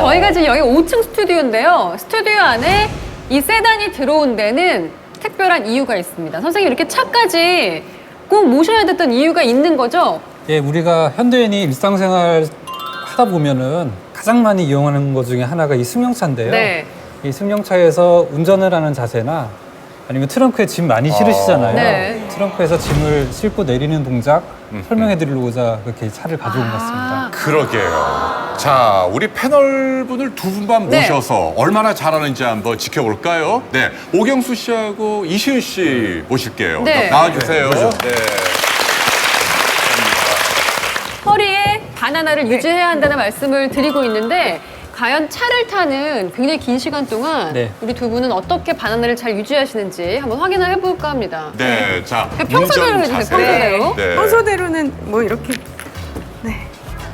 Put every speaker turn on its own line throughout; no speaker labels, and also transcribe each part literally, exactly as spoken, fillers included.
저희가 지금 여기 오 층 스튜디오인데요. 스튜디오 안에 이 세단이 들어온 데는 특별한 이유가 있습니다. 선생님, 이렇게 차까지 꼭 모셔야 됐던 이유가 있는 거죠?
예, 우리가 현대인이 일상생활 하다 보면은 가장 많이 이용하는 것 중에 하나가 이 승용차인데요.
네.
이 승용차에서 운전을 하는 자세나 아니면 트렁크에 짐 많이 실으시잖아요.
네.
트렁크에서 짐을 싣고 내리는 동작 설명해 드리려고자 그렇게 차를 가져온 것 같습니다.
그러게요. 자, 우리 패널분을 두 분만
네.
모셔서 얼마나 잘하는지 한번 지켜볼까요? 네, 오경수 씨하고 이시은 씨 모실게요.
네.
나와주세요. 네.
허리에 바나나를 유지해야 한다는 말씀을 드리고 있는데 과연 차를 타는 굉장히 긴 시간 동안
네.
우리 두 분은 어떻게 바나나를 잘 유지하시는지 한번 확인을 해볼까 합니다.
네, 자,
평소대로
운전
해주세요,
자세.
평소대로.
네.
평소대로는 뭐 이렇게 네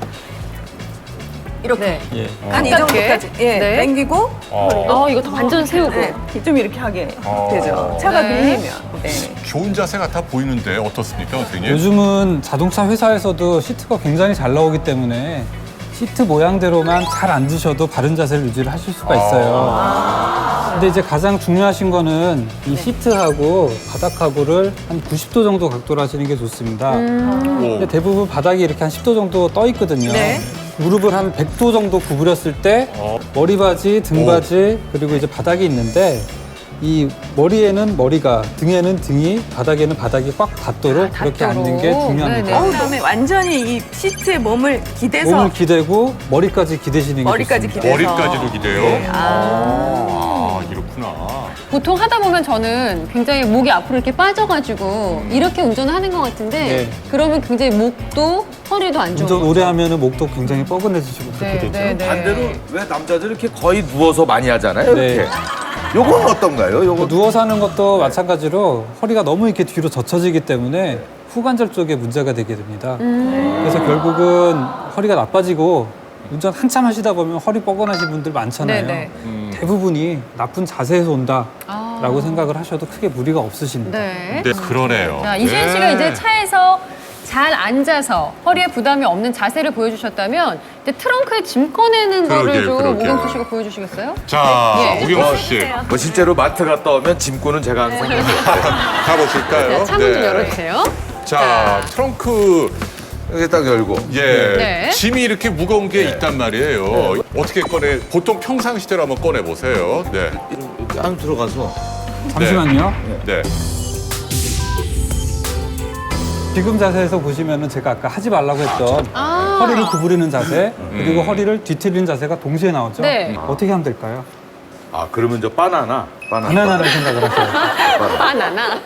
이렇게
네.
예.
한 이
가깝게.
정도까지 예
네.
당기고
어, 이거 다 완전 세우고.
네, 좀 이렇게 하게
어.
되죠. 차가
네.
밀리면 네.
좋은 자세 같아 보이는데 어떻습니까, 선생님?
요즘은 자동차 회사에서도 시트가 굉장히 잘 나오기 때문에 시트 모양대로만 잘 앉으셔도 바른 자세를 유지를 하실 수가 있어요. 근데 이제 가장 중요하신 거는 이 시트하고 바닥하고를 한 구십 도 정도 각도로 하시는 게 좋습니다. 근데 대부분 바닥이 이렇게 한 십 도 정도 떠 있거든요.
네.
무릎을 한 백 도 정도 구부렸을 때 머리바지, 등바지, 그리고 이제 바닥이 있는데 이 머리에는 머리가, 등에는 등이, 바닥에는 바닥이 꽉 닿도록
아,
그렇게
닿도록.
앉는 게 중요합니다.
네네.
어, 그다음에 완전히 이 시트에 몸을 기대서
몸을 기대고 머리까지 기대시는 게
머리까지
좋습니다.
기대서
머리까지도 기대요?
네.
아, 이렇구나.
보통 하다 보면 저는 굉장히 목이 앞으로 이렇게 빠져가지고 이렇게 운전을 하는 것 같은데
네.
그러면 굉장히 목도 허리도 안 좋은
운전
거죠.
오래 하면은 목도 굉장히 뻐근해지시고 그렇게
네,
되죠.
네, 네.
반대로 왜 남자들 이렇게 거의 누워서 많이 하잖아요.
네.
이렇게. 요건 어떤가요? 요건
누워서 하는 것도 마찬가지로 허리가 너무 이렇게 뒤로 젖혀지기 때문에 후관절 쪽에 문제가 되게 됩니다.
음.
그래서 결국은 허리가 나빠지고 운전 한참 하시다 보면 허리 뻐근하신 분들 많잖아요.
네네.
대부분이 나쁜 자세에서 온다라고
아.
생각을 하셔도 크게 무리가 없으십니다.
네.
네, 그러네요.
자, 이시은 씨가
네.
이제 차에서 잘 앉아서 허리에 부담이 없는 자세를 보여주셨다면 이제 트렁크에 짐 꺼내는 거를
그러게요,
좀
그러게요.
오경수 씨가 보여주시겠어요?
자,
예.
오경수 씨.
뭐 실제로 마트 갔다 오면 짐꾼은 제가 항상
가보실까요?
자, 창문 좀 열어주세요.
자, 트렁크,
이렇게 딱 열고.
예.
네.
짐이 이렇게 무거운 게 있단 말이에요. 어떻게 꺼내, 보통 평상시대로 한번 꺼내보세요. 네.
이렇게 안 들어가서
잠시만요.
네.
지금 자세에서 보시면은 제가 아까 하지 말라고 했던
아.
허리를 구부리는 자세 그리고 허리를 뒤틀리는 자세가 동시에 나오죠.
네.
어떻게 하면 될까요?
아 그러면 저 바나나 바나나
바나나를 생각을 하셔요.
바나나.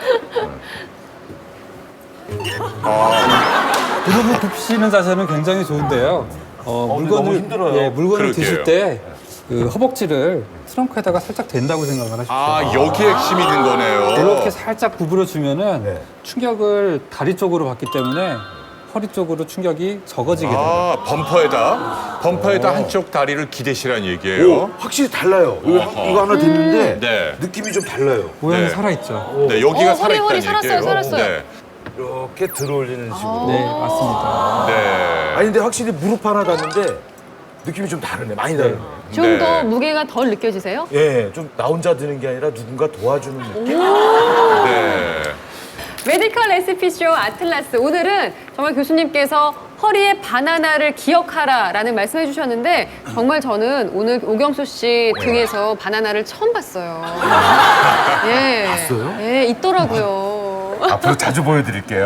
무릎을 굽히시는 자세는 굉장히 좋은데요. 어, 물건을
너무 힘들어요.
예, 물건을
그러게요.
드실 때 그 허벅지를 트렁크에다가 살짝 댄다고 생각을 하십시오.
아, 여기 핵심이 있는 거네요.
이렇게 살짝 구부려 주면은
네.
충격을 다리 쪽으로 받기 때문에 허리 쪽으로 충격이 적어지게 됩니다.
아, 범퍼에다, 범퍼에다 한쪽 다리를 기대시란 얘기예요.
오, 확실히 달라요. 이거,
어허.
이거 하나 됐는데
네.
느낌이 좀 달라요.
모양이
네.
살아 있죠.
네, 여기가
어, 허리, 허리
살아있다는
살았어요,
얘기예요.
살았어요.
네.
이렇게 들어올리는 식으로.
네, 맞습니다.
네.
아니 근데 확실히 무릎 하나 닿는데 느낌이 좀 다르네. 많이 다르네.
좀
네.
더 무게가 덜 느껴지세요?
예, 좀 나 혼자 드는 게 아니라 누군가 도와주는 느낌.
네.
메디컬 레시피쇼 아틀라스. 오늘은 정말 교수님께서 허리에 바나나를 기억하라라는 말씀해 주셨는데 정말 저는 오늘 오경수 씨 등에서 바나나를 처음 봤어요. 예.
봤어요?
예, 있더라고요.
앞으로 자주 보여드릴게요.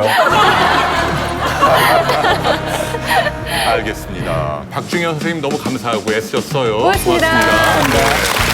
알겠습니다. 박중현 선생님 너무 감사하고 애쓰셨어요.
고맙습니다.
고맙습니다.
감사합니다.